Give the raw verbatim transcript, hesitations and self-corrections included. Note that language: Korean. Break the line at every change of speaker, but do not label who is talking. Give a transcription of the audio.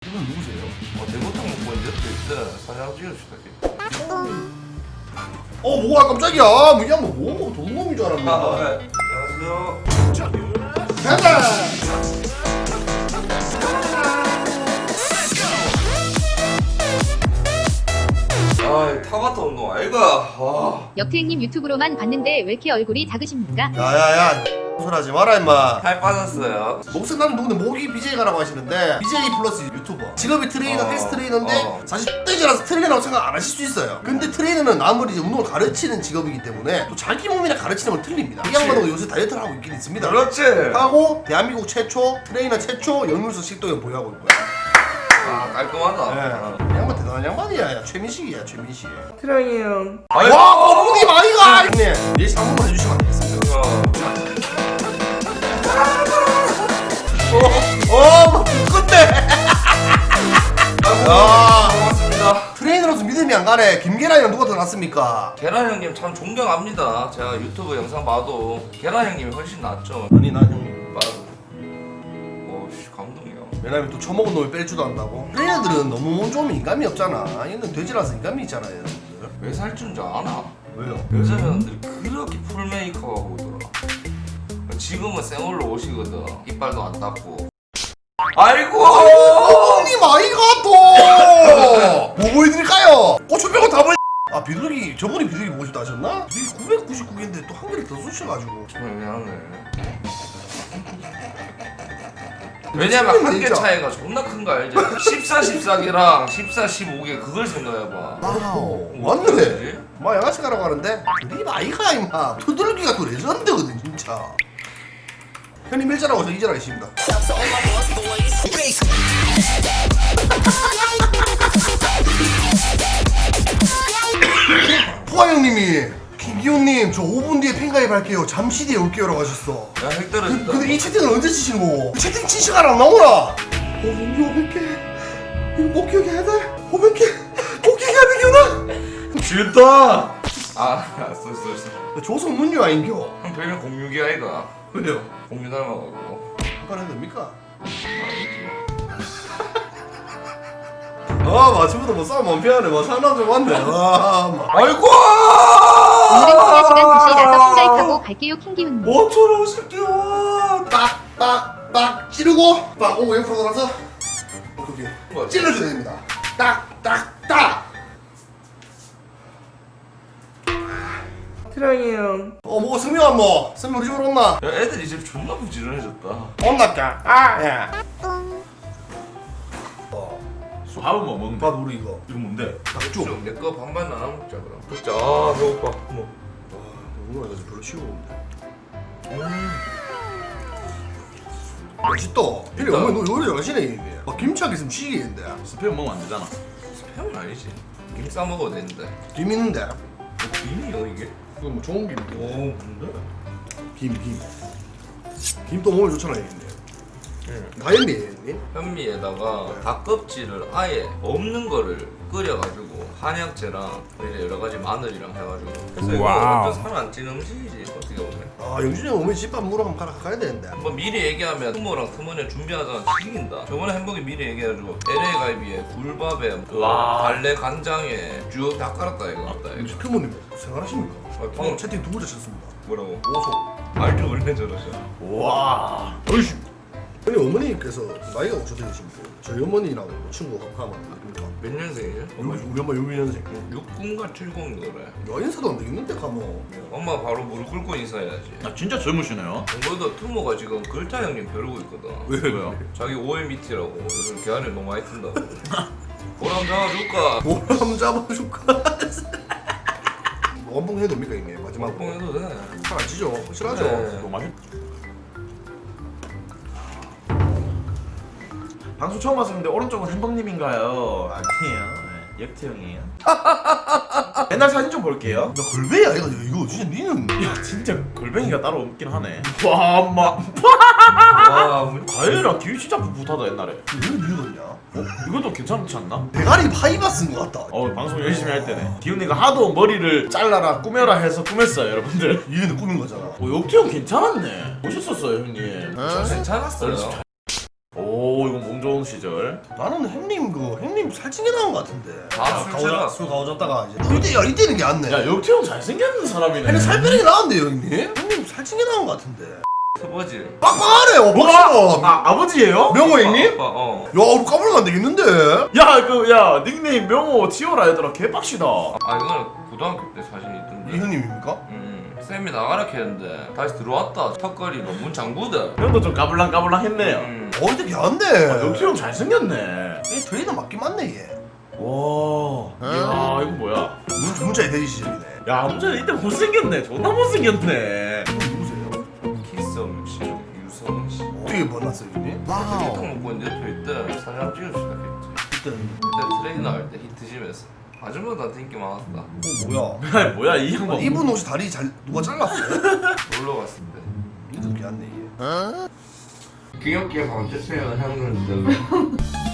이분 누구세요?
어, 대구탕 먹고 이제 때 사장 찍읍시다.
어 뭐가 깜짝이야. 뭐야 뭐 뭐 도둑놈인 줄 알았네.
아, 네. 안녕하세요.
가자.
아, 타바타 운동 아이가. 아.
역태행님 유튜브로만 봤는데 왜 이렇게 얼굴이 작으십니까?
야야야. 소리하지 마라 임마.
살 빠졌어요.
목소리 나는 누군데 목이 비제이가라고 하시는데 비제이 플러스 유튜버 직업이 트레이너
어,
헬스 트레이너인데
어.
사실 떼지라서 트레이너라고 생각 안 하실 수 있어요. 근데 트레이너는 아무리 이제 운동을 가르치는 직업이기 때문에 또 자기 몸이나 가르치는 건 틀립니다. 이 양반도 요새 다이어트를 하고 있긴 있습니다.
그렇지.
하고 대한민국 최초 트레이너 최초 역류소 식도염 보유하고 있고요.
아, 깔끔하다.
네. 이 양반 대단한 양반이야. 야, 최민식이야 최민식.
트레이 형.
와 어머니 마이가 형님 예시 한 번만 해주시면 안 되겠습니까? 어어 근데
아, 고맙습니다.
트레이너로서 믿음이 안 가네. 김계란이랑 누가 더 낫습니까?
계란 형님 참 존경합니다. 제가 유튜브 영상 봐도 계란 형님이 훨씬 낫죠.
아니 난 형님
맞아. 오씨 감동이야.
왜냐면 또 처먹은 놈이 뺄 줄도 안다고. 트레이너들은 너무 몸 좋으면 인감이 없잖아. 얘는 돼지라서 인감이 있잖아요 여러분들.
왜 살찐 줄 아나?
왜요?
여자분들 그렇게 풀 메이크업하고 오더라. 지금은 생얼로 오시거든. 이빨도 안 닦고. 아이고!
어머님 아이가 또! 뭐 보여드릴까요? 고추 빼고 다 보여. 아 비둘기 저번에 비둘기 보고 싶다 하셨나? 비둘기 구백구십구 개인데 또 한 개를 더 쑤셔가지고.
정말 미안해. 왜냐면 한 개
진짜.
차이가 존나 큰 거 알지? 십사, 십사 개랑 십사, 십오 개 그걸 생각해봐.
와우
뭐
맞네.
어떡하지?
마 양아치 가라고 하는데 우리 아이가 임마 두들기가 또 레전드거든 진짜. 형님 일자라고 저 이자라 계십니다. 포아 형님이 김기훈님 저 오 분 뒤에 팬가입할게요. 잠시 뒤에 올게요라고 하셨어.
야, 핵 떨어진다.
근데 이 채팅을 언제 치시는 거고? 채팅 친 시간 안 나오나? 오분 뒤 오백 개 이거 못 기억해야 돼? 오백 개 못 기억해야 되겠나?
지었다! 아, 알았어, 알았어, 알았어.
조성문유 아닌겨?
형 별명 공유기 아이가.
왜요?
공유 닮아가지고.
한판 해도 됩니까? 아 마침부터 뭐 싸움 원피하네. 뭐 상남자 맞네. 아 마.
아이고!
오늘은 통화 시간 다시 나서 팬가입하고 갈게요 킹기훈님.
뭐처럼 오실게요.
빡빡빡 찌르고 빡 오고 옆으로 돌아서 오케이 오케이 찔러줘야 됩니다. 딱딱딱.
트라이 형.
어 뭐 승명아 뭐 승명 우리 집으로 온나?
야, 애들 이제 존나 부지런해졌다.
온나까? 아 야.
밥은 뭐 먹는데?
밥 우리 이거
이거 뭔데?
닭죽.
좀 내 거 반반 나눠 먹자 그럼. 먹자. 아, 배고파. 뭐.
오늘 나 별로 쉬우는데.
음.
맛있다. 형님 어머니 너 요리 잘하시네 이게. 막 김치하게 있으면 취기인데.
스팸 먹으면 안 되잖아.
스팸은 아니지. 김 싸 먹어도 되는데.
김 있는데.
뭐 김이요 이게?
이거 뭐 좋은 김.
오, 뭔데?
김 김. 김도 몸에 좋잖아 이게.
응.
다현미 형님.
현미에다가 닭껍질을 아예 없는 거를 끓여가지고 한약재랑 이제 여러 가지 마늘이랑 해가지고. 그래서 이거 완전 살 안 찌는 음식이지 어떻게 보면.
아 영준이 형 어머니 집밥 물어 한번 가라 가야 되는데.
한번 미리 얘기하면 투모랑 투모네 준비하자는 튀긴다. 저번에 햄버거 미리 얘기해가지고 엘에이 갈비에 굴밥에
와.
달래 간장에 쭉 다 깔았다 이거. 맞다 이거.
큐모님 생활하십니까?
아,
방금
어.
채팅 두 번째 쳤습니다.
뭐라고?
오소.
말도 원래 저러셔.
와.
어이씨. 아니 어머니께서 나이가 어떻게 되십니까? 저희 어머니랑 친구 하면 됩니까?
몇 년생이죠?
우리 우리 엄마 육십 년생.
육군가 칠공 그래.
야 인사도 안 되겠는데 가면.
엄마 바로 무릎 꿇고 인사해야지.
아 진짜 젊으시네요.
정보도 투모가 지금 글타 형님 벼르고 있거든.
왜
왜요?
자기 오엠이티라고 요즘 계란을 너무 많이 튼다고. 보람 잡아줄까?
보람 잡아줄까? 원봉 해도 됩니까 이게 마지막으로?
뽕 해도 돼.
잘안 치죠? 확실하죠?
네.
너무 맛있. 방송 처음 왔었는데 오른쪽은 햄버님인가요? 아니에요. 네, 역태형이에요. 옛날 사진 좀 볼게요.
나 걸배야 이거 이거 진짜 니는
야 진짜 골뱅이가 따로 없긴 하네. 와 엄마.
와, 뭐-
과일이랑 기위 진짜 풋풋하다 옛날에.
왜 믿었냐?
어? 이것도 괜찮지 않나?
대가리 파이바 쓴 것 같다.
어 방송 열심히 할 때네. 기훈이가 하도 머리를 잘라라 꾸며라 해서 꾸몄어요 여러분들.
얘는 꾸민 거잖아.
어 역태형 괜찮았네. 멋있었어요 형님.
괜찮았어요.
오 이거 뭔가 성 좋은 시절.
나는 형님 그 형님 살찐게 나온 것 같은데.
아, 술 취해가.
술 가오졌다가 이제 이때 야 이때는 게 안 네.
야 역태형 잘생긴 사람이네.
형님 살 빼는 게 나은데요 형님? 형님 살찐게 나온 것 같은데.
터버지.
빡빡하네요. 멋있어.
아 아버지예요?
명호 형님?
아빠, 어.
야 우리 까불면 안 되겠는데.
야 그 야 닉네임 명호 티오라 얘들아 개빡시다.
아 이거는 고등학교 때 사진이 있던데.
이 형님입니까?
음, 쌤이 나가라 했는데 다시 들어왔다. 턱걸이로 문 잠그대.
형도 좀 까불랑 까불랑 했네요.
음.
어 이때 걔한데.
역태형 잘생겼네.
이 트레이너 맞긴 맞네 얘.
와. 야 이거 뭐야?
문 문자에 대기 시절이네.
야 아무튼 이때 못생겼네. 존나 못생겼네.
이분 누구세요?
키썸 씨, 유성 씨.
어떻게 만났어요 형님?
히트 먹고 이제 옆에 있대. 사진 한번 찍을 수도 있겠지.
그때는
그때 트레이너 할 때 히트짐에서 아줌마들한테 인기 많았다.
어 뭐야?
야 뭐야 이 양반.
이분 혹시 다리 잘 누가 잘랐어요?
놀러 갔을 때.
이도 걔한네 얘.
귀엽게 봐주세요 형님들.